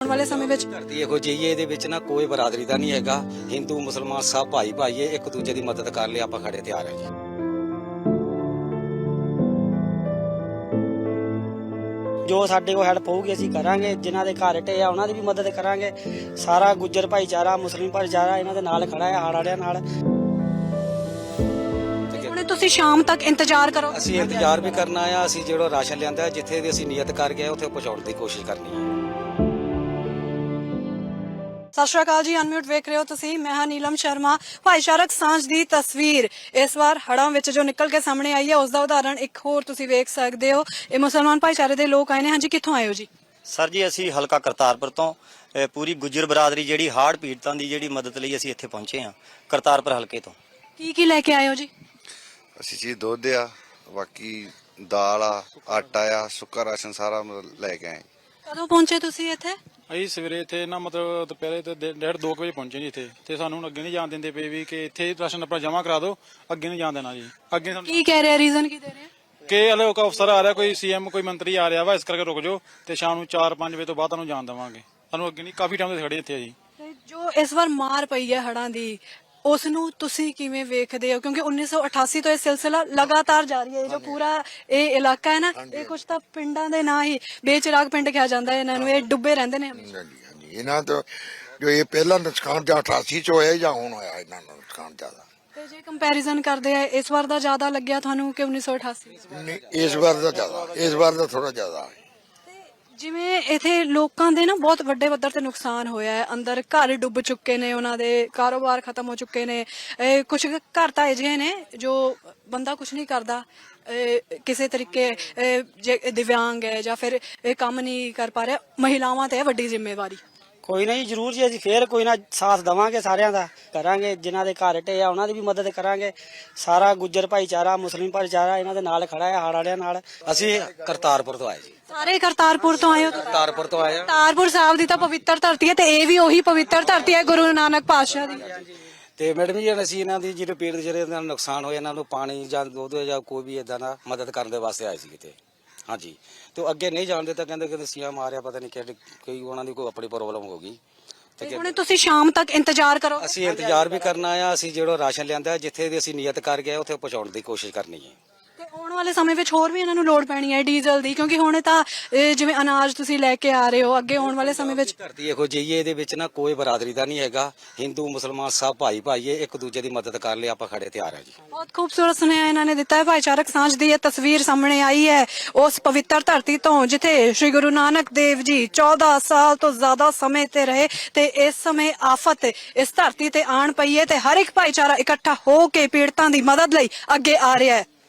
ਵਾਲੇ ਸਮੇਂ ਵਿੱਚ ਧਰਤੀ ਇਹੋ ਜਿਹੀ ਹੈ, ਇਹਦੇ ਵਿੱਚ ਨਾ ਕੋਈ ਬਰਾਦਰੀ ਦਾ ਨਹੀਂ ਹੈਗਾ। ਹਿੰਦੂ ਮੁਸਲਮਾਨ ਸਭ ਭਾਈ ਭਾਈ ਹੈ, ਇੱਕ ਦੂਜੇ ਦੀ ਮਦਦ ਕਰਨ ਲਈ ਆਪਾਂ ਖੜੇ ਤਿਆਰ ਹਾਂ ਜੀ। ਜੋ ਸਾਡੇ ਕੋਲ ਹੈਲਪ ਹੋਊਗੀ ਅਸੀਂ ਕਰਾਂਗੇ। ਜਿਨ੍ਹਾਂ ਦੇ ਘਰ ਢੇ ਆ ਉਹਨਾਂ ਦੀ ਵੀ ਮਦਦ ਕਰਾਂਗੇ। ਸਾਰਾ ਗੁੱਜਰ ਭਾਈਚਾਰਾ, ਮੁਸਲਿਮ ਭਾਈਚਾਰਾ ਇਹਨਾਂ ਦੇ ਨਾਲ ਖੜਾ ਹੈ, ਹੜ੍ਹ ਵਾਲਿਆਂ ਨਾਲ। ਹੁਣ ਤੁਸੀਂ ਸ਼ਾਮ ਤੱਕ ਇੰਤਜ਼ਾਰ ਕਰੋ। ਅਸੀਂ ਇੰਤਜ਼ਾਰ ਵੀ ਕਰਨਾ ਆ। ਅਸੀਂ ਜਿਹੜਾ ਰਾਸ਼ਨ ਲਿਆਂਦਾ ਜਿੱਥੇ ਦੀ ਅਸੀਂ ਨੀਅਤ ਕਰ ਗਏ ਉੱਥੇ ਪਹੁੰਚਾਉਣ ਦੀ ਕੋਸ਼ਿਸ਼ ਕਰਨੀ ਹੈ। ਸਤਿ ਸ਼੍ਰੀ ਅਕਾਲ ਜੀ, ਅਨਮਿਊਟ ਵੇਖ ਰਹੇ ਹੋ ਤੁਸੀਂ। ਮੈਂ ਹਾਂ ਨੀਲਮ ਸ਼ਰਮਾ। ਭਾਈਚਾਰਕ ਸਾਂਝ ਦੀ ਤਸਵੀਰ ਇਸ ਵਾਰ ਹੜ੍ਹਾਂ ਵਿੱਚ ਜੋ ਨਿਕਲ ਕੇ ਸਾਹਮਣੇ ਆਈ ਹੈ ਉਸ ਦਾ ਉਦਾਹਰਣ ਇੱਕ ਹੋਰ ਤੁਸੀਂ ਵੇਖ ਸਕਦੇ ਹੋ। ਇਹ ਮੁਸਲਮਾਨ ਭਾਈਚਾਰੇ ਦੇ ਲੋਕ ਆਏ ਨੇ। ਹਾਂਜੀ, ਕਿੱਥੋਂ ਆਏ ਹੋ ਜੀ? ਸਰ ਜੀ, ਅਸੀਂ ਹਲਕਾ ਕਰਤਾਰਪੁਰ ਤੋਂ ਪੂਰੀ ਗੁੱਜਰ ਬਰਾਦਰੀ ਜਿਹੜੀ ਹੜ੍ਹ ਪੀੜਤਾਂ ਦੀ ਜਿਹੜੀ ਮਦਦ ਲਈ ਅਸੀਂ ਇੱਥੇ ਪਹੁੰਚੇ ਹਾਂ, ਕਰਤਾਰਪੁਰ ਹਲਕੇ ਤੋਂ। ਕੀ ਲੈ ਕੇ ਆਏ ਹੋ ਜੀ? ਅਸੀਂ ਜੀ ਦੁੱਧ ਆ, ਬਾਕੀ ਦਾਲ ਆ, ਆਟਾ ਆ, ਸੁੱਕਾ ਰਾਸ਼ਨ ਸਾਰਾ ਮਤਲਬ ਲੈ ਕੇ ਆਏ। ਕਦੋਂ ਪਹੁੰਚੇ ਤੁਸੀਂ ਇੱਥੇ? ਅਸੀਂ ਸਵੇਰੇ ਇੱਥੇ ਨਾ ਮਤਲਬ ਦੁਪਹਿਰੇ ਤੇ 1:30-2 ਵਜੇ ਪਹੁੰਚੇ ਜੀ ਇੱਥੇ। ਤੇ ਸਾਨੂੰ ਹੁਣ ਅੱਗੇ ਨਹੀਂ ਜਾਣ ਦਿੰਦੇ ਪਏ ਵੀ ਕਿ ਇੱਥੇ ਰਾਸ਼ਨ ਆਪਣਾ ਜਮ੍ਹਾਂ ਕਰਾ ਦਿਓ, ਅੱਗੇ ਨਹੀਂ ਜਾਣ ਦੇਣਾ ਜੀ। ਅੱਗੇ ਸਾਨੂੰ ਕੀ ਕਹਿ ਰਹੇ, ਰੀਜ਼ਨ ਕੀ ਦੇ ਰਹੇ? ਕਿ ਹਲੇ ਕੋਈ ਅਫਸਰ ਆ ਰਿਹਾ, ਕੋਈ ਸੀਐਮ ਕੋਈ ਮੰਤਰੀ ਆ ਰਿਹਾ ਵਾ, ਇਸ ਕਰਕੇ ਰੁਕ ਜਾਓ ਤੇ ਸ਼ਾਮ ਨੂੰ 4-5 ਵਜੇ ਤੋਂ ਬਾਅਦ ਤੁਹਾਨੂੰ ਜਾਣ ਦੇਵਾਂਗੇ। ਸਾਨੂੰ ਅੱਗੇ ਨਹੀਂ, ਕਾਫੀ ਟਾਈਮ ਤੋਂ ਖੜੇ ਇੱਥੇ ਆ ਜੀ। ਤੇ ਜੋ ਇਸ ਵਾਰ ਮਾਰ ਪਈ ਹੈ ਹੜ੍ਹਾਂ ਦੀ, ਉਸ ਨੂੰ ਤੁਸੀਂ ਕਿਵੇਂ ਵੇਖਦੇ ਹੋ? ਕਿਉਂਕਿ 1988 ਤੋਂ ਇਹ ਸਿਲਸਿਲਾ ਲਗਾਤਾਰ ਜਾਰੀ ਹੈ। ਜੋ ਪੂਰਾ ਇਹ ਇਲਾਕਾ ਹੈ ਨਾ, ਇਹ ਕੁਝ ਤਾਂ ਪਿੰਡਾਂ ਦੇ ਨਾਂ ਹੀ ਬੇਚਰਾਗ ਪਿੰਡ ਕਿਹਾ ਜਾਂਦਾ ਹੈ ਇਹਨਾਂ ਨੂੰ। ਇਹ ਡੁੱਬੇ ਰਹਿੰਦੇ ਨੇ ਹਮੇਸ਼ਾ। ਹਾਂਜੀ, ਇਹਨਾਂ ਤੋਂ ਜੋ ਇਹ ਪਹਿਲਾ ਨੁਕਸਾਨ ਜਾਂ 88 ਚ ਹੋਇਆ ਜਾਂ ਹੁਣ ਹੋਇਆ, ਇਹਨਾਂ ਨੂੰ ਨੁਕਸਾਨ ਜ਼ਿਆਦਾ। ਤੇ ਜੇ ਕੰਪੈਰੀਜ਼ਨ ਕਰਦੇ ਆ, ਇਸ ਵਾਰ ਦਾ ਜ਼ਿਆਦਾ ਲੱਗਿਆ ਤੁਹਾਨੂੰ ਕਿ 1988? ਨਹੀਂ, ਇਸ ਵਾਰ ਦਾ ਜ਼ਿਆਦਾ, ਇਸ ਵਾਰ ਦਾ ਥੋੜਾ ਜ਼ਿਆਦਾ ਹੈ। ਜਿਵੇਂ ਇਥੇ ਲੋਕਾਂ ਦੇ ਨਾ ਬਹੁਤ ਵੱਡੇ ਪੱਧਰ ਤੇ ਨੁਕਸਾਨ ਹੋਇਆ ਹੈ। ਅੰਦਰ ਘਰ ਡੁੱਬ ਚੁੱਕੇ ਨੇ, ਉਹਨਾਂ ਦੇ ਕਾਰੋਬਾਰ ਖਤਮ ਹੋ ਚੁੱਕੇ ਨੇ। ਕੁਝ ਘਰ ਤਾਂ ਅਜਿਹੇ ਨੇ ਜੋ ਬੰਦਾ ਕੁਝ ਨਹੀਂ ਕਰਦਾ, ਕਿਸੇ ਤਰੀਕੇ ਜੇ ਦਿਵਿਆਂਗ ਹੈ ਜਾਂ ਫਿਰ ਇਹ ਕੰਮ ਨਹੀਂ ਕਰ ਪਾ ਰਿਹਾ, ਮਹਿਲਾਵਾਂ ਤੇ ਹੈ ਵੱਡੀ ਜ਼ਿੰਮੇਵਾਰੀ। ਕੋਈ ਨਾ ਜੀ, ਜ਼ਰੂਰ ਜੀ, ਅਸੀਂ ਫੇਰ ਕੋਈ ਨਾ ਸਾਥ ਦੇਵਾਂਗੇ, ਸਾਰਿਆਂ ਦਾ ਕਰਾਂਗੇ। ਜਿਨ੍ਹਾਂ ਦੇ ਘਰ ਢੇ ਆ ਉਹਨਾਂ ਦੀ ਵੀ ਮਦਦ ਕਰਾਂਗੇ। ਸਾਰਾ ਗੁੱਜਰ ਭਾਈਚਾਰਾ, ਮੁਸਲਿਮ ਭਾਈਚਾਰਾ ਇਹਨਾਂ ਦੇ ਨਾਲ ਖੜਾ ਹੈ, ਹੜ੍ਹ ਵਾਲਿਆਂ ਨਾਲ। ਅਸੀਂ ਕਰਤਾਰਪੁਰ ਤੋਂ ਆਏ ਜੀ। ਸਾਰੇ ਕਰਤਾਰਪੁਰ ਤੋਂ ਆਏ ਹੋ ਤੁਸੀਂ? ਕਰਤਾਰਪੁਰ ਤੋਂ ਆਏ ਆ। ਕਰਤਾਰਪੁਰ ਸਾਹਿਬ ਦੀ ਤਾਂ ਪਵਿੱਤਰ ਧਰਤੀ ਹੈ, ਤੇ ਇਹ ਵੀ ਉਹੀ ਪਵਿੱਤਰ ਧਰਤੀ ਹੈ ਗੁਰੂ ਨਾਨਕ ਪਾਤਸ਼ਾਹ ਦੀ। ਤੇ ਮੈਡਮ ਜੀ, ਅਸੀਂ ਇਹਨਾਂ ਦੀ ਜਿਹੜੇ ਪੀੜਤ ਜਿਹੜੇ ਇਹਨਾਂ ਨੂੰ ਨੁਕਸਾਨ ਹੋਇਆ, ਇਹਨਾਂ ਨੂੰ ਪਾਣੀ ਜਾਂ ਦੁੱਧ ਜਾਂ ਕੋਈ ਵੀ ਇਦਾਂ ਦਾ ਮਦਦ ਕਰਨ ਦੇ ਵਾਸਤੇ ਆਏ ਸੀ ਕਿਤੇ। ਹਾਂਜੀ, ਤੇ ਅੱਗੇ ਨਹੀਂ ਜਾਣਦੇ ਤਾਂ ਕਹਿੰਦੇ ਸੀਐਮ ਆ ਰਿਹਾ, ਪਤਾ ਨਹੀਂ ਕਿ ਕੋਈ ਉਹਨਾਂ ਦੀ ਕੋਈ ਆਪਣੀ ਪ੍ਰੋਬਲਮ ਹੋ ਗਈ। ਤੇ ਹੁਣ ਤੁਸੀਂ ਸ਼ਾਮ ਤੱਕ ਇੰਤਜ਼ਾਰ ਕਰੋ। ਅਸੀਂ ਇੰਤਜ਼ਾਰ ਵੀ ਕਰਨਾ ਆ। ਅਸੀਂ ਜਿਹੜਾ ਰਾਸ਼ਨ ਲਿਆਂਦਾ ਜਿੱਥੇ ਦੀ ਅਸੀਂ ਨੀਅਤ ਕਰ ਗਏ ਉੱਥੇ ਪਹੁੰਚਾਉਣ ਦੀ ਕੋਸ਼ਿਸ਼ ਕਰਨੀ ਹੈ। ਤੇ ਆਉਣ ਵਾਲੇ ਸਮੇਂ ਵਿੱਚ ਹੋਰ ਵੀ ਇਹਨਾਂ ਨੂੰ ਲੋੜ ਪੈਣੀ ਹੈ ਡੀਜ਼ਲ ਦੀ, ਕਿਉਂਕਿ ਹੁਣ ਤਾਂ ਜਿਵੇਂ ਅਨਾਜ ਤੁਸੀਂ ਲੈ ਕੇ ਆ ਰਹੇ ਹੋ, ਅੱਗੇ ਆਉਣ ਵਾਲੇ ਸਮੇਂ ਵਿੱਚ ਧਰਤੀ ਇਹੋ ਜਿਹੀ ਹੈ, ਇਹਦੇ ਵਿੱਚ ਨਾ ਕੋਈ ਬਰਾਦਰੀ ਦਾ ਨਹੀਂ ਹੈਗਾ। ਹਿੰਦੂ ਮੁਸਲਮਾਨ ਸਭ ਭਾਈ ਭਾਈ ਹੈ, ਇੱਕ ਦੂਜੇ ਦੀ ਮਦਦ ਕਰਨ ਲਈ ਆਪਾਂ ਖੜੇ ਤਿਆਰ ਹਾਂ ਜੀ। ਬਹੁਤ ਖੂਬਸੂਰਤ ਸੁਨੇਹਾ ਇਹਨਾਂ ਨੇ ਦਿੱਤਾ ਹੈ। ਭਾਈਚਾਰਕ ਸਾਂਝ ਦੀ ਇਹ ਤਸਵੀਰ ਸਾਹਮਣੇ ਆਈ ਹੈ ਉਸ ਪਵਿੱਤਰ ਧਰਤੀ ਤੋਂ ਜਿੱਥੇ ਸ਼੍ਰੀ ਗੁਰੂ ਨਾਨਕ ਦੇਵ ਜੀ 14 ਸਾਲ ਤੋਂ ਜ਼ਿਆਦਾ ਸਮੇਂ ਤੇ ਰਹੇ, ਤੇ ਇਸ ਸਮੇਂ ਆਫਤ ਇਸ ਧਰਤੀ ਤੇ ਆਣ ਪਈ ਹੈ, ਤੇ ਹਰ ਇੱਕ ਭਾਈਚਾਰਾ ਇਕੱਠਾ ਹੋ ਕੇ ਪੀੜਤਾਂ ਦੀ ਮਦਦ ਲਈ ਅੱਗੇ ਆ ਰਿਹਾ ਹੈ।